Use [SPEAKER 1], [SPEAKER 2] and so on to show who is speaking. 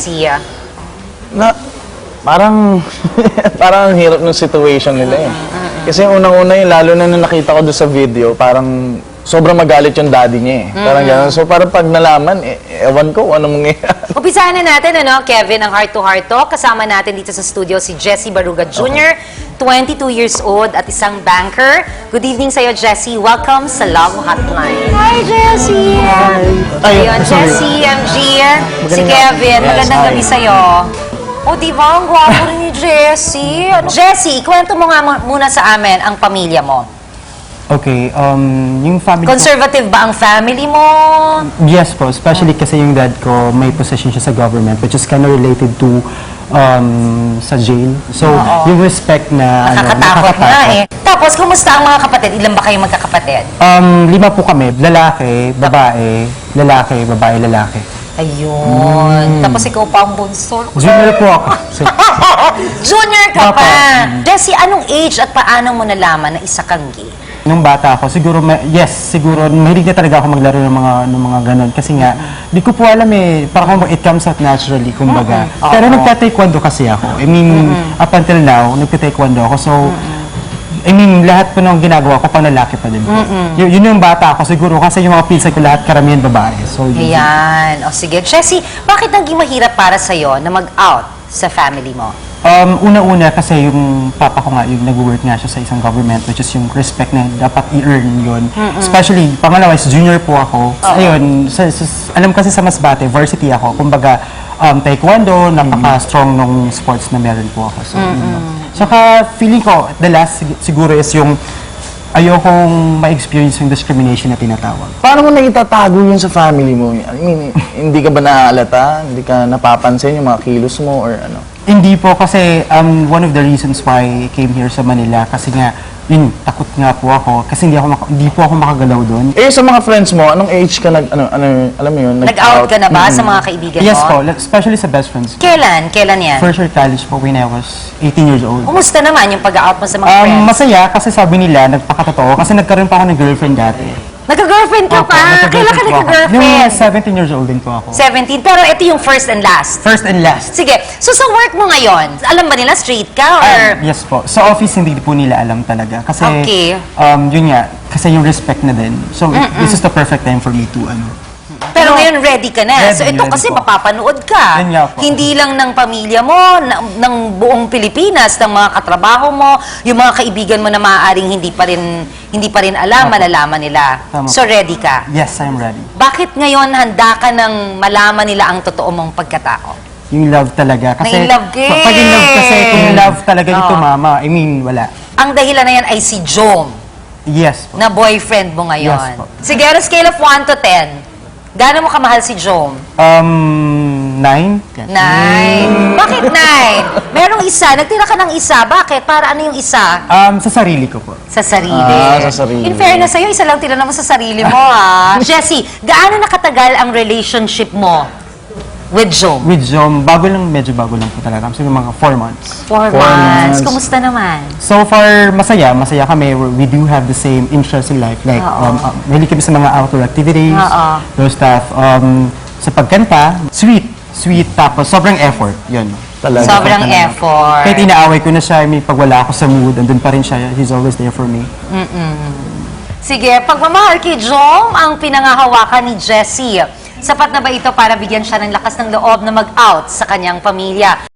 [SPEAKER 1] Jessie?
[SPEAKER 2] Na, parang, parang ang hirap ng situation nila eh. Kasi unang-una yun, lalo na nung nakita ko doon sa video, parang sobrang magalit yung daddy niya eh. Parang gano'n. So parang pag nalaman, ewan ko kung ano mangyayari.
[SPEAKER 1] Umpisahan na natin, Kevin, ang Heart to Heart Talk. Kasama natin dito sa studio si Jessie Baruga Jr., 22 years old at isang banker. Good evening sa'yo, Jessie. Welcome sa Love Hotline. Hi, Jessie! Ayun, Jessie, MG, si Kevin. Magandang gabi sa'yo. O, diba? Ang gwapo rin ni Jessie. Jessie, kwento mo nga muna sa amin ang pamilya mo.
[SPEAKER 3] Okay, yung family
[SPEAKER 1] Conservative ba ang family mo?
[SPEAKER 3] Yes po, especially kasi yung dad ko may position siya sa government which is kind of related to sa jail. So, yung respect na
[SPEAKER 1] Nakakatakot nga eh. Tapos, kumusta ang mga kapatid? Ilan ba kayong magkakapatid?
[SPEAKER 3] 5 po kami, lalaki, babae, lalaki, babae, lalaki.
[SPEAKER 1] Ayun. Tapos ikaw pa ang bunso.
[SPEAKER 3] Junior po ako. So,
[SPEAKER 1] Junior ka pa! Jessie, anong age at paano mo nalaman na isa kang gay?
[SPEAKER 3] nung bata ako, siguro, siguro, mahilig na talaga ako maglaro ng mga ganun. Kasi nga, di ko po alam eh, parang it comes out naturally, kumbaga. Pero nagta-taekwondo kasi ako. I mean, up until now, nagta-taekwondo ako. So, I mean, lahat po ng ginagawa ko, pang lalaki pa din po. Yun yung bata ako siguro, kasi yung mga pinsan ko lahat, karamihan babae. So,
[SPEAKER 1] Ayan. O sige. Jessie, bakit naging mahirap para sa'yo na mag-out sa family mo?
[SPEAKER 3] Una-una kasi yung papa ko nga, yung nag-work nga siya sa isang government, which is yung respect na dapat i-earn yun. Especially, pangalawa is junior po ako. Ayun, alam kasi sa Masbate, varsity ako. Kumbaga, taekwondo, napaka-strong nung sports na meron po ako. So, saka feeling ko, the last siguro is yung ayokong ma-experience yung discrimination na tinatawag.
[SPEAKER 2] Paano mo naitatago yun sa family mo? I mean, hindi ka ba naaalata? Hindi ka napapansin yung mga kilos mo or ano?
[SPEAKER 3] Hindi po kasi one of the reasons why I came here sa Manila kasi nga yun, takot nga po ako kasi hindi po ako makagalaw doon.
[SPEAKER 2] Eh sa mga friends mo, anong age ka alam mo yun?
[SPEAKER 1] Nag-out ka na ba sa mga kaibigan mo?
[SPEAKER 3] Yes po, especially sa best friends.
[SPEAKER 1] Kailan? Kailan yan?
[SPEAKER 3] First year college po when I was 18 years old.
[SPEAKER 1] Kumusta naman yung pag-out mo sa mga friends?
[SPEAKER 3] Masaya kasi sabi nila, nagpakatotoo kasi nagkaroon pa ako ng girlfriend dati.
[SPEAKER 1] Nagka-girlfriend ka pa? Kailan ka nagka-girlfriend?
[SPEAKER 3] Yung 17 years old din po ako.
[SPEAKER 1] 17. Pero ito yung first and last.
[SPEAKER 3] First and last.
[SPEAKER 1] Sige. So sa work mo ngayon, alam ba nila straight ka or...
[SPEAKER 3] Yes po. Sa office, hindi po nila alam talaga. Kasi,
[SPEAKER 1] Okay.
[SPEAKER 3] yun nga, kasi yung respect na din. So, this is the perfect time for me to,
[SPEAKER 1] Pero ngayon ready ka na.
[SPEAKER 3] Ready,
[SPEAKER 1] So ito
[SPEAKER 3] ready
[SPEAKER 1] kasi
[SPEAKER 3] po.
[SPEAKER 1] mapapanood ka.
[SPEAKER 3] Yan nga po.
[SPEAKER 1] Hindi lang ng pamilya mo, ng buong Pilipinas, ng mga katrabaho mo, yung mga kaibigan mo na maaaring hindi pa rin alam, malalaman nila.
[SPEAKER 3] Tama
[SPEAKER 1] So ready ka.
[SPEAKER 3] yes, I'm ready.
[SPEAKER 1] Bakit ngayon handa ka ng malaman nila ang totoo mong pagkatao?
[SPEAKER 3] Yung love talaga. Kasi,
[SPEAKER 1] Na-in-love ka eh.
[SPEAKER 3] Pag in-love kasi, kung love talaga yung tumama, I mean, wala.
[SPEAKER 1] Ang dahilan na yan ay si Jom,
[SPEAKER 3] Yes po.
[SPEAKER 1] na boyfriend mo ngayon.
[SPEAKER 3] Yes po.
[SPEAKER 1] Sige, on a scale of 1 to 10, gaano mo kamahal si Jom?
[SPEAKER 3] 9?
[SPEAKER 1] 9. Bakit 9? Merong isa. Nagtira ka ng isa. Bakit? Para ano yung isa?
[SPEAKER 3] Sa sarili ko po.
[SPEAKER 1] Sa sarili.
[SPEAKER 2] Sa sarili.
[SPEAKER 1] In fairness sa'yo, isa lang tira naman sa sarili mo, ha? Jessie, gaano nakatagal ang relationship mo with Jom?
[SPEAKER 3] With Jom, medyo bago lang po talaga. Siguro mga 4 months.
[SPEAKER 1] 4 months.
[SPEAKER 2] months.
[SPEAKER 1] Kumusta naman?
[SPEAKER 3] So far, masaya kami. We do have the same interest in life. Like, mahilig kami sa mga outdoor activities, those stuff. Sa pagkanta, sweet. Tapos sobrang effort. Yun.
[SPEAKER 2] Talaga.
[SPEAKER 1] Sobrang effort.
[SPEAKER 3] Kahit inaaway ko na siya, pag wala ako sa mood, andun pa rin siya. He's always there for me.
[SPEAKER 1] Sige, pagmamahal kay Jom ang pinangahawakan ni Jessie. Sapat na ba ito para bigyan siya ng lakas ng loob na mag-out sa kanyang pamilya?